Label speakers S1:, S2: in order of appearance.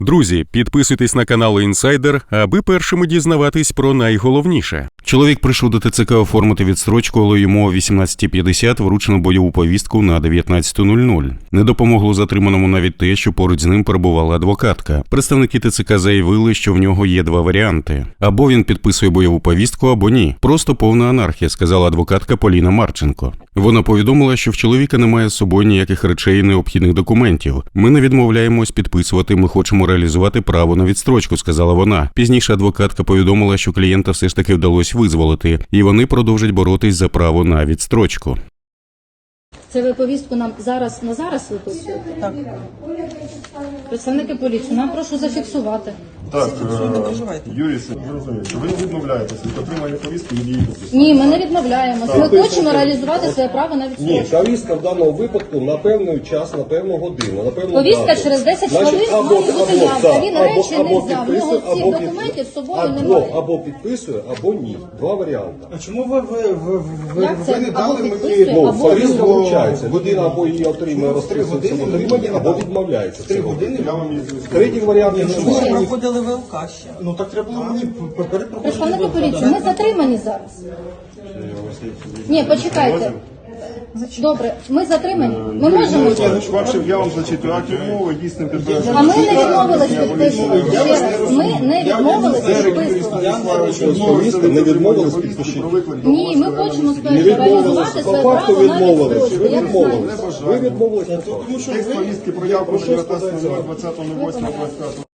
S1: Друзі, підписуйтесь на канал Інсайдер, аби першими дізнаватись про найголовніше.
S2: Чоловік прийшов до ТЦК оформити відстрочку, але йому о 18:50 вручено бойову повістку на 19:00. Не допомогло затриманому навіть те, що поруч з ним перебувала адвокатка. Представники ТЦК заявили, що в нього є два варіанти. Або він підписує бойову повістку, або ні. Просто повна анархія, сказала адвокатка Поліна Марченко. Вона повідомила, що в чоловіка немає з собою ніяких речей і необхідних документів. Ми не відмовляємось підписувати, ми хочемо реалізувати право на відстрочку, сказала вона. Пізніше адвокатка повідомила, що клієнта все ж таки вдалося визволити, і вони продовжать боротись за право на відстрочку.
S3: Це ви повістку нам зараз виписуєте? Так. Представники поліції, нам прошу зафіксувати.
S4: Так, Юрій, зрозумів, що ви відмовляєтеся від отримання повістки від її підпису.
S3: Ні, ми не відмовляємося. Ми хочемо реалізувати своє право на відстрочку.
S5: Ні, повістка в даному випадку на певний час, на певну годину, на певну
S3: Повістка
S5: дату.
S3: через 10
S5: Значить,
S3: хвилин має бути явка. Він речі не взяв. В нього цих
S5: або
S3: документів з собою немає.
S5: Або підписує, або ні. Два варіанти.
S6: А чому ви
S3: Як це?
S6: не
S3: Або
S6: дали
S3: підписує,
S6: мені?
S5: Ну,
S3: або
S5: повістка
S3: ні.
S5: вручається. Людина або її отримує, розписується в
S6: 3 години
S5: отриманні,
S6: мені
S5: або
S6: дали.
S5: відмовляється.
S6: 3 години?
S4: Я вам її
S5: Третій варіант не
S6: Чому ви
S5: немає.
S6: проходили ВЛК ще? Ну так треба було мені перед
S3: Представники
S6: проходити
S3: поліції, ми затримані зараз. Ні, почекайте. Добре, ми затримані. Ми можемо йти?
S4: Я вам зачитую акт відмови, дійсним підтвердженням.
S3: А ми не відмовились підписувати. Ще раз, ми не відмовились підписувати.
S5: Повістка не відмовились підпишіть.
S3: Ні, ми хочемо
S5: Не відмовилися.
S3: реалізувати
S5: По
S3: своє
S5: факту
S3: право на
S5: відмовились.
S3: відстрочку.
S5: Ви
S3: Я не
S5: відмовились.
S3: знаю.
S5: Ви відмовились.
S4: Текст повістки про явку 19.08.25.